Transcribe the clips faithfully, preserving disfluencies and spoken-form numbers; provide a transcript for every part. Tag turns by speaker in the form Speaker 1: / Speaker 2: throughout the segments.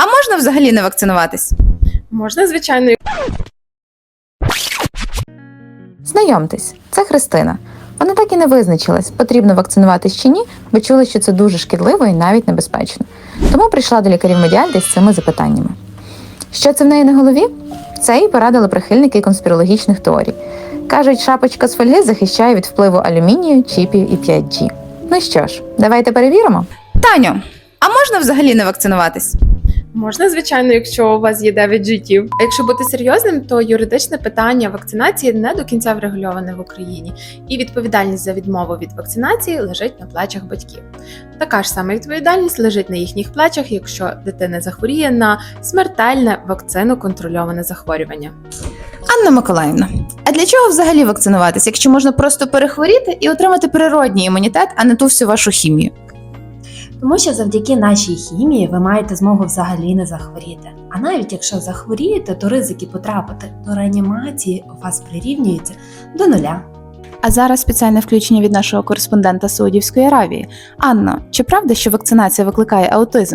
Speaker 1: А можна взагалі не вакцинуватись?
Speaker 2: Можна, звичайно.
Speaker 1: Знайомтесь, це Христина. Вона так і не визначилась, потрібно вакцинуватись чи ні, бо чула, що це дуже шкідливо і навіть небезпечно. Тому прийшла до лікарів Медіальди з цими запитаннями. Що це в неї на голові? Це їй порадили прихильники конспірологічних теорій. Кажуть, шапочка з фольги захищає від впливу алюмінію, чіпів і п'ять джі. Ну що ж, давайте перевіримо. Таню, а можна взагалі не вакцинуватись?
Speaker 2: Можна, звичайно, якщо у вас є дев'ять життів. А якщо бути серйозним, то юридичне питання вакцинації не до кінця врегульоване в Україні, і відповідальність за відмову від вакцинації лежить на плечах батьків. Така ж сама відповідальність лежить на їхніх плечах, якщо дитина захворіє на смертельне вакциноконтрольоване захворювання.
Speaker 1: Анна Миколаївна, а для чого взагалі вакцинуватись, якщо можна просто перехворіти і отримати природній імунітет, а не ту всю вашу хімію?
Speaker 3: Тому що завдяки нашій хімії ви маєте змогу взагалі не захворіти. А навіть якщо захворієте, то ризики потрапити до реанімації у вас прирівнюються до нуля.
Speaker 1: А зараз спеціальне включення від нашого кореспондента з Саудівської Аравії. Анно, чи правда, що вакцинація викликає аутизм?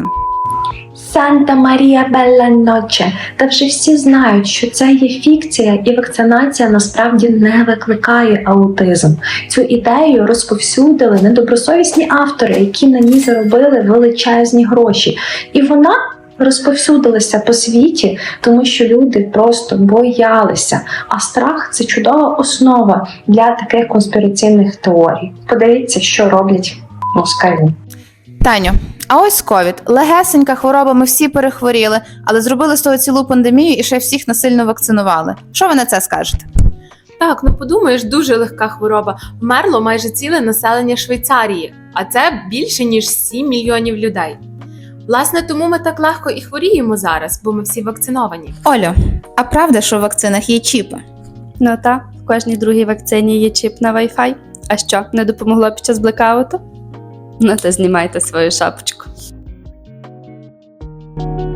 Speaker 4: Санта Марія Белла Ноче. Та вже всі знають, що це є фікція, і вакцинація насправді не викликає аутизм. Цю ідею розповсюдили недобросовісні автори, які на ній заробили величезні гроші. І вона розповсюдилася по світі, тому що люди просто боялися. А страх – це чудова основа для таких конспіраційних теорій. Подивіться, що роблять москалі.
Speaker 1: Таню, а ось ковід. Легесенька хвороба, ми всі перехворіли, але зробили з того цілу пандемію і ще всіх насильно вакцинували. Що ви на це скажете?
Speaker 2: Так, ну подумаєш, дуже легка хвороба. Вмерло майже ціле населення Швейцарії, а це більше, ніж сім мільйонів людей. Власне, тому ми так легко і хворіємо зараз, бо ми всі вакциновані.
Speaker 1: Олю, а правда, що в вакцинах є чіпи?
Speaker 5: Ну та, в кожній другій вакцині є чіп на Wi-Fi. А що, не допомогло під час блекауту? Ну то знімайте свою шапочку.